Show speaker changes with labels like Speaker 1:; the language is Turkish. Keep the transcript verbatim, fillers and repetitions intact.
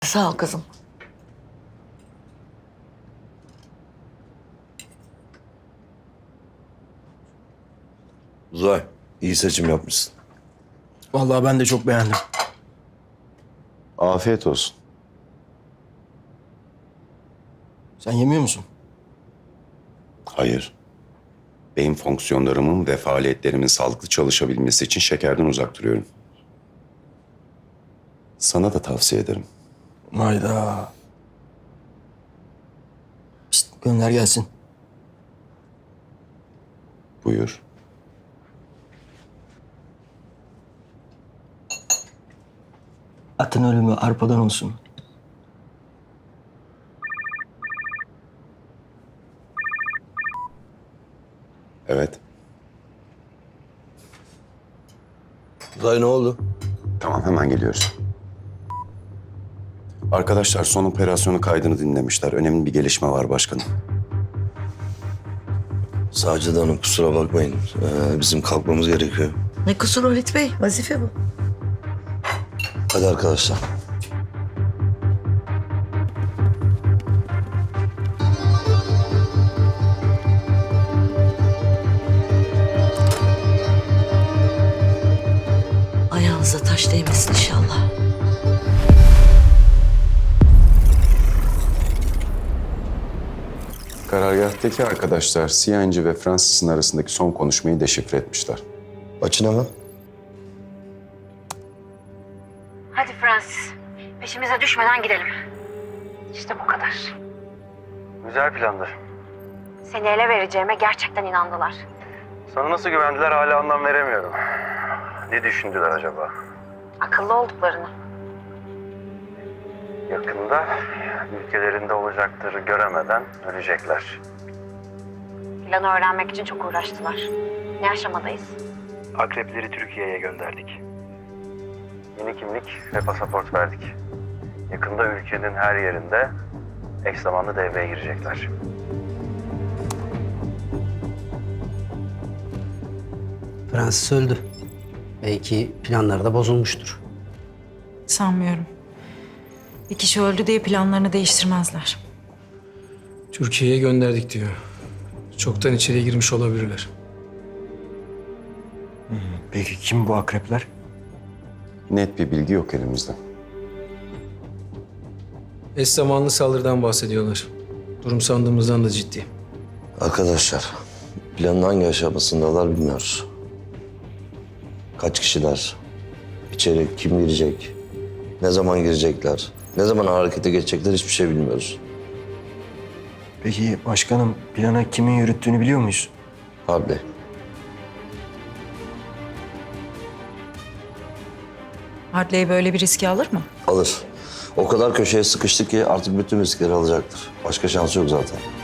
Speaker 1: Sağ ol kızım.
Speaker 2: Uzay, iyi seçim yapmışsın.
Speaker 3: Vallahi ben de çok beğendim.
Speaker 2: Afiyet olsun.
Speaker 3: Sen yemiyor musun?
Speaker 2: Hayır. Beyin fonksiyonlarımın ve faaliyetlerimin sağlıklı çalışabilmesi için şekerden uzak duruyorum. Sana da tavsiye ederim.
Speaker 3: Hayda. Pişt, gönder gelsin.
Speaker 2: Buyur.
Speaker 3: Atın ölümü arpadan olsun.
Speaker 2: Evet.
Speaker 4: Uzay ne oldu?
Speaker 2: Tamam, hemen geliyoruz. Arkadaşlar son operasyonu kaydını dinlemişler. Önemli bir gelişme var başkanım.
Speaker 4: Sacide Hanım kusura bakmayın. Ee, bizim kalkmamız gerekiyor.
Speaker 1: Ne kusur Halit Bey? Vazife bu.
Speaker 4: Hadi arkadaşlar.
Speaker 1: Ayağınıza taş değmesin inşallah.
Speaker 2: Karargahtaki arkadaşlar C N G ve Francis'in arasındaki son konuşmayı deşifre etmişler.
Speaker 4: Açın hemen.
Speaker 5: Hadi Francis, peşimize düşmeden gidelim. İşte bu kadar.
Speaker 6: Güzel plandı.
Speaker 5: Seni ele vereceğime gerçekten inandılar.
Speaker 6: Sana nasıl güvendiler hala anlam veremiyorum. Ne düşündüler acaba?
Speaker 5: Akıllı olduklarını.
Speaker 6: Yakında ülkelerinde olacakları göremeden ölecekler.
Speaker 5: Planı öğrenmek için çok uğraştılar. Ne aşamadayız?
Speaker 6: Akrepleri Türkiye'ye gönderdik. Yeni kimlik ve pasaport verdik. Yakında ülkenin her yerinde eş zamanlı devreye girecekler.
Speaker 7: Francis öldü. Belki planları da bozulmuştur.
Speaker 8: Sanmıyorum. Bir kişi öldü diye planlarını değiştirmezler.
Speaker 3: Türkiye'ye gönderdik diyor. Çoktan içeriye girmiş olabilirler. Peki kim bu akrepler?
Speaker 2: Net bir bilgi yok elimizde.
Speaker 3: Eş zamanlı saldırıdan bahsediyorlar. Durum sandığımızdan da ciddi.
Speaker 4: Arkadaşlar, planın hangi aşamasındalar bilmiyoruz. Kaç kişiler? İçeri kim girecek? Ne zaman girecekler? Ne zaman harekete geçecekler hiçbir şey bilmiyoruz.
Speaker 3: Peki başkanım plana kimin yürüttüğünü biliyor muyuz?
Speaker 4: Harbi.
Speaker 8: Hartley böyle bir riski alır mı?
Speaker 4: Alır. O kadar köşeye sıkıştık ki artık bütün riskleri alacaktır. Başka şansı yok zaten.